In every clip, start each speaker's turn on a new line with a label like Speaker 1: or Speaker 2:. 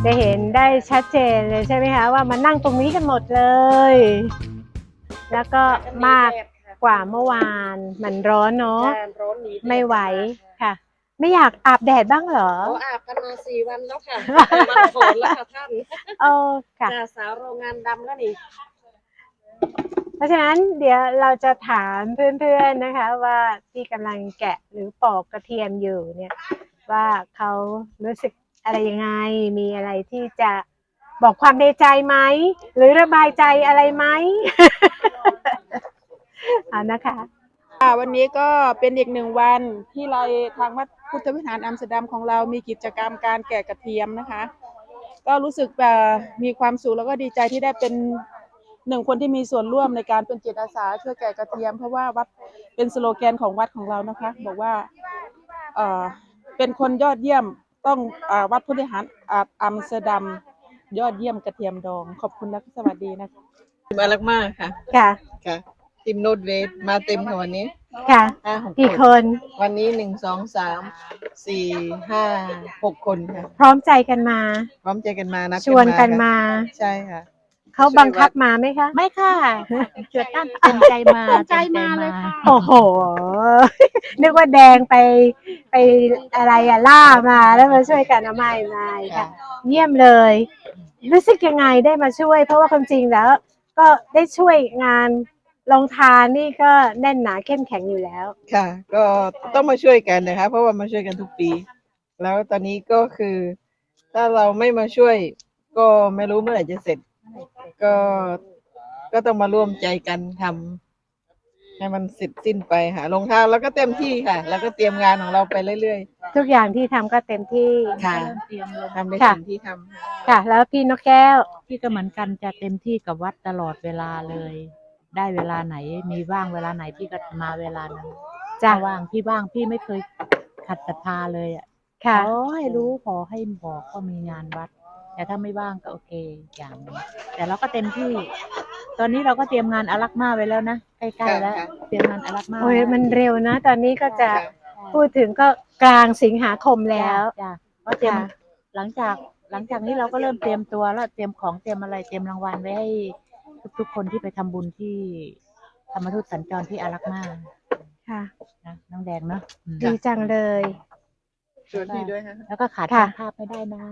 Speaker 1: จะเห็นได้ชัดเจนเลยใช่ไหมคะว่ามานั่งตรงนี้กันหมดเลย แล้วก็มากกว่าเมื่อวานมันร้อนเนาะไม่ไหวค่ะ ไม่อยากอาบแดดบ้างเหรอ
Speaker 2: อาบกันมา4 วันแล้วค่ะวันฝนแล้วค่ะท่าน
Speaker 1: ค่ะ
Speaker 2: สาวโรงงานดำแล้วนี่
Speaker 1: เพราะฉะนั้นเดี๋ยวเราจะถามเพื่อนๆนะคะว่าที่กำลังแกะหรือปอกกระเทียมอยู่เนี่ยว่าเขารู้สึกอะไรยังไงมีอะไรที่จะบอกความในใจไหมหรือระบายใจอะไรไหม นะคะ
Speaker 3: วันนี้ก็เป็นอีก1 วันที่เราทางวัดพุทธวิหารอัมสเตอร์ดัมของเรามีกิจกรรมการแกะกระเทียมนะคะก็รู้สึกมีความสุขแล้วก็ดีใจที่ได้เป็น1 คนที่มีส่วนร่วมในการเป็นจิตอาสาช่วยแกะกระเทียมเพราะว่าวัดเป็นสโลแกนของวัดของเรานะคะบอกว่าเป็นคนยอดเยี่ยมต้องวัดพุทธวิหารอัมสเตอร์ดัมยอดเยี่ยมกระเทียมดองขอบคุณและสวัสดีนะคะ
Speaker 4: มาลักมากค่ะค่ะทีมโนดเวทมาเต็มค่ะวันนี้
Speaker 1: ค่ะกี่คน
Speaker 4: วันนี้1 2 3 4 5 6 คนค่ะ
Speaker 1: พร้อมใจกันมา
Speaker 4: นะ
Speaker 1: ชวนกันมา
Speaker 4: ใช่ค่ะ
Speaker 1: เขาบังคับมาไหมคะ
Speaker 5: ไม่ค่ะเกิดตั้งเต็มใจมา
Speaker 1: เลยค่ะโอ้โหนึกว่าแดงไปอะไรล่ามาแล้วมาช่วยกันไม่ค่ะเยี่ยมเลยรู้สึกยังไงได้มาช่วยเพราะว่าความจริงแล้วก็ได้ช่วยงานลงทานนี่ก็แน่นหนาเข้มแข็งอยู่แล้ว
Speaker 4: ค่ะก็ต้องมาช่วยกันนะคะเพราะว่ามาช่วยกันทุกปีแล้วตอนนี้ก็คือถ้าเราไม่มาช่วยก็ไม่รู้เมื่อไหร่จะเสร็จก็ต้องมาร่วมใจกันทำให้มันเสร็จสิ้นไปค่ะลงทานแล้วก็เต็มที่ค่ะแล้วก็เตรียมงานของเราไปเรื่อย
Speaker 1: ๆทุกอย่างที่ทำก็เต็มที่
Speaker 4: ค่ะทำในสิ่งที่ท
Speaker 1: ำค่ะแล้วพี่นกแก้ว
Speaker 5: พี่ก็เหมือนกันจะเต็มที่กับวัดตลอดเวลาเลยได้เวลาไหนมีว่างเวลาไหนพี่ก็มาเวลานั้นจะว่างพี่ไม่เคยขัดศรัทธาเลยขอให้รู้ขอให้บอกก็มีงานวัดแต่ถ้าไม่ว่างก็โอเคอย่างนึงแต่เราก็เต็มที่ตอนนี้เราก็เตรียมงานอารักมาไว้แล้วนะใกล้ๆแล้วเตรียมงานอารักมา
Speaker 1: โอ้ยมันเร็วนะตอนนี้ก็จะพูดถึงก็กลางสิงหาคมแล้ว
Speaker 5: ก็เตรียมหลังจากนี้เราก็เริ่มเตรียมตัวแล้วเตรียมของเตรียมอะไรเตรียมรางวัลไว้ให้ทุกคนที่ไปทำบุญที่ธรรมทูตสัญจรที่อารักมา
Speaker 1: ค่ะ
Speaker 5: นะน้องแดงเนาะ
Speaker 1: ดีจังเลย
Speaker 4: ชวนพี่ด้วยฮะ
Speaker 5: แล้วก็ขาดภาพไม่ได้นะ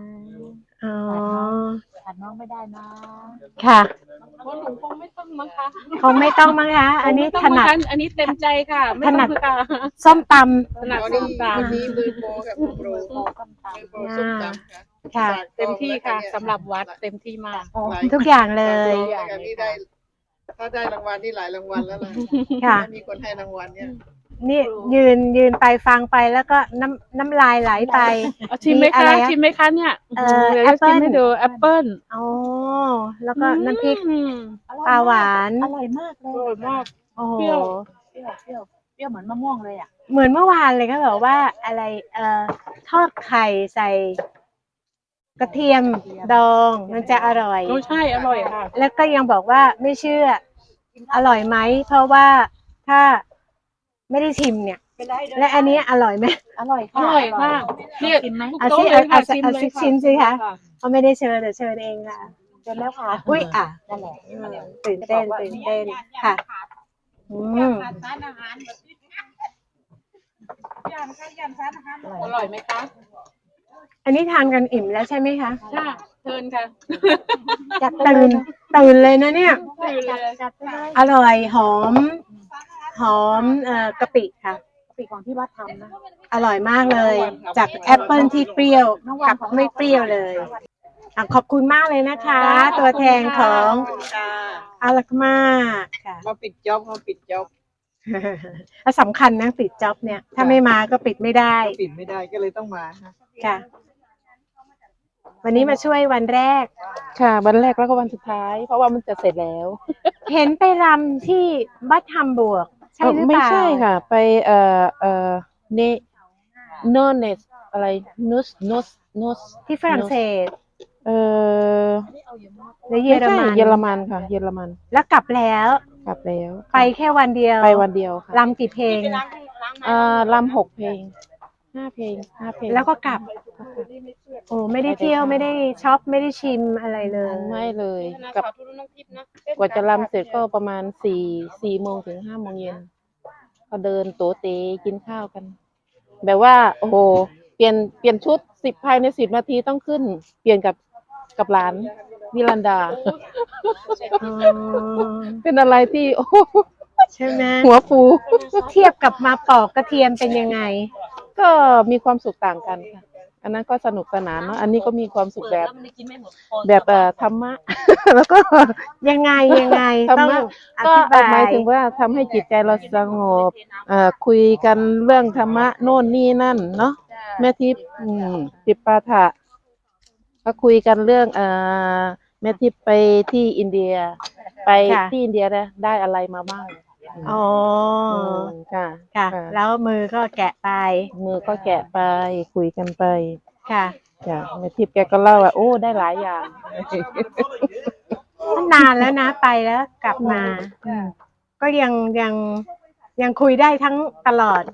Speaker 5: ขาดน้องไม่ได้นะ
Speaker 1: ค่ะ
Speaker 3: คนหนุ่มคงไม่ต้องมั้งคะ
Speaker 1: อันนี้ถนัด
Speaker 3: อันนี้เต็มใจค่ะ
Speaker 1: ถนัดส้มตำ
Speaker 4: วันนี้มือโปรกับมือโปรส้มตำ
Speaker 1: ค่ะ
Speaker 3: เต็มที่ค่ะสำหรับวัดเต็มที่มาก
Speaker 1: ทุกอย่างเลย
Speaker 4: ถ้าได้รางวัลนี่หลายรางวัลแล้วล่ะมีคนให้รางวัลเนี่ย
Speaker 1: นี่ยืนไปฟังไปแล้วก็น้ำลายไหลไป
Speaker 3: ชิมไหมคะเนี่ย
Speaker 1: แอปเปิ้ล
Speaker 3: ให้ดูแอปเปิ้ล
Speaker 1: แล้วก็น้ำพริกปลาหวาน
Speaker 5: อร่อยมากเลย
Speaker 3: อร่อยมาก
Speaker 1: เปรี้
Speaker 5: ยวเหมือนมะม่วงเลย
Speaker 1: เหมือนเมื่อวานเลยก็บอกว่าอะไรทอดไข่ใส่กระเทียมดองมันจะอร่อย
Speaker 3: ใช่อร่อยค่ะ
Speaker 1: แล้วก็ยังบอกว่าไม่เชื่ออร่อยไหมเพราะว่าถ้าไม่ได้ชิมเนี่ยและอันนี้อร่อยไหม
Speaker 5: อร่อย
Speaker 3: มาก
Speaker 5: เนี่ยชิมไหม
Speaker 1: เอาชิมสิคะเขาไม่ได้เชิญแต่เชิญเองค่ะ
Speaker 5: เชิญแล้วค่ะ
Speaker 1: อุ้ย
Speaker 5: นั่นแหละ
Speaker 1: ตื่นเต้นค่ะ
Speaker 3: อร่อยไหมคะ
Speaker 1: อันนี้ทานกันอิ่มแล้วใช่ไหมคะ
Speaker 3: ค่ะเชิญค่ะ
Speaker 1: ตื่นเลยนะเนี่ยอร่อยหอมกะปิค่ะ
Speaker 5: กะปิของที่วัดทำนะ
Speaker 1: อร่อยมากเลยจากแอปเปิลที่เปรี้ยวกับไม่เปรี้ยวเลยขอบคุณมากเลยนะคะตัวแทนของอารักมาค่ะ
Speaker 4: มาปิดจ็อบ
Speaker 1: สำคัญนะปิดจ็อบเนี่ยถ้าไม่มาก็ปิดไม่ได้
Speaker 4: ก็เลยต้องมา
Speaker 1: ค่ะวันนี้มาช่วยวันแรก
Speaker 3: ค่ะวันแรกแล้วก็วันสุดท้ายเพราะว่ามันจะเสร็จแล้ว
Speaker 1: เห็นไปรำที่บัดฮัมบูร์กใช่หรือเปล่า
Speaker 3: ไม่ใช่ค่ะไปเนเนสอะไรนุส
Speaker 1: ที่ฝรั่งเศส
Speaker 3: ในเยอรมันค่ะเยอรมัน
Speaker 1: แล้วกลับแล้วไปแค่วันเดียว
Speaker 3: ไปวันเดียวค่ะ
Speaker 1: รำกี่เพลง
Speaker 3: รำ6 เพลง 5 เพลง 5 เพลง
Speaker 1: แล้วก็กลับ โอ้ไม่ได้เที่ยวไม่ได้ช็อปไม่ได้ชิมอะไรเลย
Speaker 3: ไม่เลย
Speaker 2: นะ
Speaker 3: กับ
Speaker 2: ขอทุนน้องทิพย์นะ
Speaker 3: กว่าจะรำเสร็จก็ประมาณ4 โมงถึง 5 โมงเย็นก็เดินโตเตกินข้าวกัน แบบว่า โอ้โห เปลี่ยนชุดภายใน10 นาทีต้องขึ้น เปลี่ยนกับหลานวิลันดา
Speaker 1: อ๋อ
Speaker 3: เป็นอะไรที่ โอ้โห
Speaker 1: ใช่ไหม
Speaker 3: หัวฟู
Speaker 1: เทียบกับมาปอกกระเทียมเป็นยังไง
Speaker 3: ก็มีความสุขต่างกันค่ะ อันนั้นก็สนุกสนานเนาะ อันนี้ก็มีความสุขแบบธรรมะ แล้วก็
Speaker 1: ยังไงยังไง
Speaker 3: ธรร
Speaker 1: ต้อง
Speaker 3: มะ
Speaker 1: อ
Speaker 3: ก็
Speaker 1: ธิบา
Speaker 3: หมาย
Speaker 1: ย
Speaker 3: ถึงว่าทำให้จิตใจเราสงบคุยกันเรื่องธรรมะโน่นนี่นั่นเนาะแม่ทิพย์ติปปาถะก็คุยกันเรื่องแม่ทิพย์ไปที่อินเดีย ไป
Speaker 1: ค่ะ
Speaker 3: ที่อินเดียได้อะไรมาบ้าง
Speaker 1: อ๋อ
Speaker 3: ค่ะ
Speaker 1: ค่ะ แล้วมือก็แกะไป
Speaker 3: มือก็แกะไปคุยกันไป
Speaker 1: ค่ะ
Speaker 3: จ้ะแม่ทิพย์แกก็เล่าว่าโอ้ได้หลายอย่าง
Speaker 1: นานแล้วนะไปแล้วกลับมา ก็ยังคุยได้ทั้งตลอด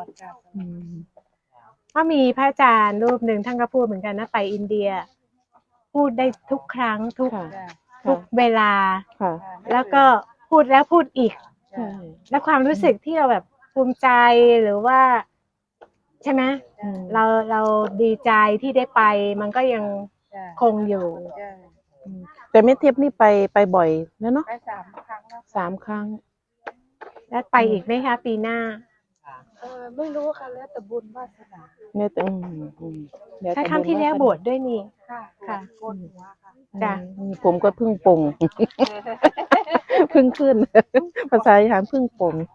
Speaker 1: ก็มีพระอาจารย์รูปหนึ่งท่านก็พูดเหมือนกันนะไปอินเดีย พูดได้ทุกครั้งทุก
Speaker 3: ค่ะ
Speaker 1: ทุกเวลา
Speaker 3: ค่ะ
Speaker 1: แล้วก็พูดแล้วพูดอีก
Speaker 3: ใช่
Speaker 1: แล้วความรู้สึกที่เราแบบภูมิใจหรือว่า ใช่ไหมเราดีใจที่ได้ไป มันก็ยังคงอยู่
Speaker 3: แต่แม่ทิพย์นี่ไปบ่อยแล้วเนาะ3 ครั้ง
Speaker 1: แล้วไปอีกไหมคะ ปีหน้า
Speaker 2: ไม่รู้ค่ะแล้วแต่บุญวาสนา
Speaker 3: แม่เดี๋ยว
Speaker 1: ใช่
Speaker 3: จะ
Speaker 1: ครั้งที่แล้ว
Speaker 3: ญาสนา
Speaker 1: บวชด้วยนี่ ค่ะ จ้ะ
Speaker 3: ผมก็เพึ่งปลง เพึ่งขึ้น ภาษาอีสานเพึ่งปลง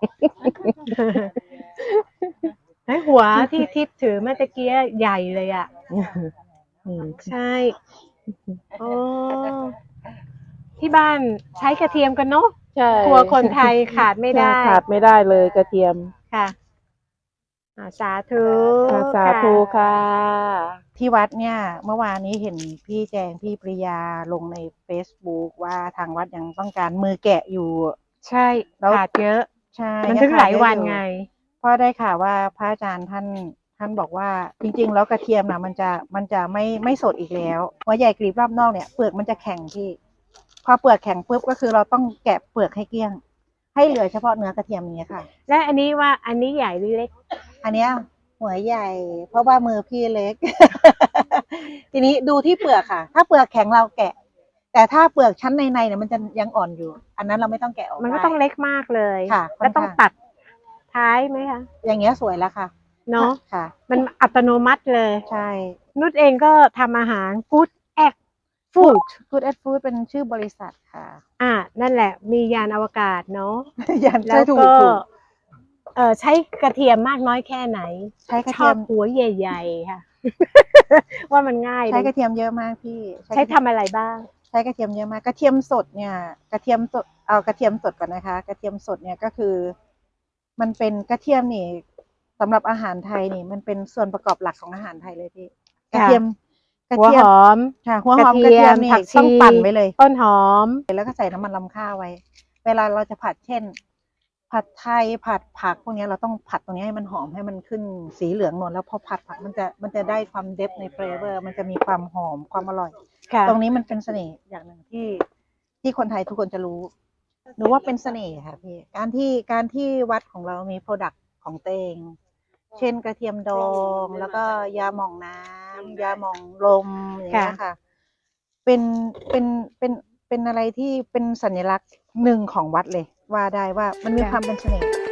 Speaker 1: ให้หัวที่ทิพย์ถือเมื่อตะกี้ใหญ่เลยอ่ะ ใช่โอ้ที่บ้านใช้กระเทียมกันเนาะ
Speaker 3: ใช่
Speaker 1: ครัวคนไทยขาดไม่ได้
Speaker 3: ขาดไม่ได้เลยกระเทียม
Speaker 1: ค่ะสาธุ
Speaker 3: สาธุค่ะ
Speaker 6: ที่วัดเนี่ยเมื่อวานนี้เห็นพี่แจงพี่ปริยาลงใน Facebook ว่าทางวัดยังต้องการมือแกะอยู่
Speaker 1: ใช่
Speaker 6: แล้ว
Speaker 1: ขาดเยอะ
Speaker 6: ใช่
Speaker 1: มันถึงหลายวัน
Speaker 6: ง
Speaker 1: ไง
Speaker 6: เพราะได้ข่าวว่าพระอาจารย์ท่านบอกว่าจริงๆแล้วกระเทียมนะมันจะไม่สดอีกแล้วหัวใหญ่กลีบรอบนอกเนี่ยเปลือกมันจะแข็งพี่พอเปลือกแข็งปุ๊บก็คือเราต้องแกะเปลือกให้เกลี้ยง ให้เหลือเฉพาะเนื้อกระเทียมอย่างเงี้ยค่ะ
Speaker 1: และอันนี้ว่าอันนี้ใหญ่หรือเล็ก
Speaker 6: อันเนี้ยหัวใหญ่ เพราะว่ามือพี่เล็ก ทีนี้ดูที่เปลือกค่ะ ถ้าเปลือกแข็งเราแกะ แต่ถ้าเปลือกชั้นในเนี่ยมันจะยังอ่อนอยู่ อันนั้นเราไม่ต้องแกะออก
Speaker 1: มันก็
Speaker 6: ได้
Speaker 1: ต้องเล็กมากเลย
Speaker 6: ค่ะ
Speaker 1: แล้วต้อง
Speaker 6: ค่อนข้าง
Speaker 1: ตัดท้ายไหมคะ
Speaker 6: อย่างเงี้ยสวยแล้วค่ะ
Speaker 1: เนาะ
Speaker 6: ค่ะ
Speaker 1: มันอัตโนมัติเลย
Speaker 6: ใช่
Speaker 1: นุชเองก็ทำอาหาร Good Act Food
Speaker 6: Good at Food เป็นชื่อบริษัทค่ะ
Speaker 1: นั่นแหละ มียานอวกาศเนาะ
Speaker 6: ยัน
Speaker 1: แล้
Speaker 6: ใช่
Speaker 1: ว
Speaker 6: ถู
Speaker 1: ก็
Speaker 6: ถูก
Speaker 1: ใช้กระเทียมมากน้อยแค่ไหน
Speaker 6: ใช้กระ
Speaker 1: ช
Speaker 6: เที
Speaker 1: อย บ
Speaker 6: ม
Speaker 1: หัวใหญ่ๆค่ะ ว่ามันง่าย
Speaker 6: ใช้ก
Speaker 1: ดี
Speaker 6: ระเทียมเยอะมากพี่
Speaker 1: ใช้ทำอะไรบ้าง
Speaker 6: ใช้กระเทียมเยอะมากกระเทียมสดเนี่ยกระเทียมสดเอากระเทียมสดก่อนนะคะ กระเทียมสดเนี่ยก็คือ มันเป็นกระเทียมนี่สำหรับอาหารไทยนี่มันเป็นส่วนประกอบหลักของอาหารไทยเลยพี่กระเทียม
Speaker 1: หัวหอม
Speaker 6: ค่ะหัวหอมกระเทียมนี่
Speaker 1: ผักชี
Speaker 6: ต้องปั่นไว้เลย
Speaker 1: ต้นหอม
Speaker 6: แล้วก็ใส่น้ำมันรำข้าวไว้ เวลาเราจะผัดเช่น ผัดไทยผัดผักพวกนี้เราต้องผัดตรงนี้ให้มันหอมให้มันขึ้นสีเหลืองนวลแล้วพอผัดผักมันจะได้ความเดฟในเฟเวอร์มันจะมีความหอมความอร่อย
Speaker 1: ค่ะ
Speaker 6: ตรงนี้มันเป็นเสน่ห์อย่างหนึ่งที่คนไทยทุกคนจะรู้หนูว่าเป็นเสน่ห์ค่ะพี่การที่วัดของเรามีโปรดักต์ของเตงเช่นกระเทียมดองแล้วก็ยาหม่องน้ำยาหม่องลมอย่างเงี้ยค่ะเป็นอะไรที่เป็นสัญลักษณ์หนึ่งของวัดเลยว่าได้ว่ามันมีความเป็นเสน่ห์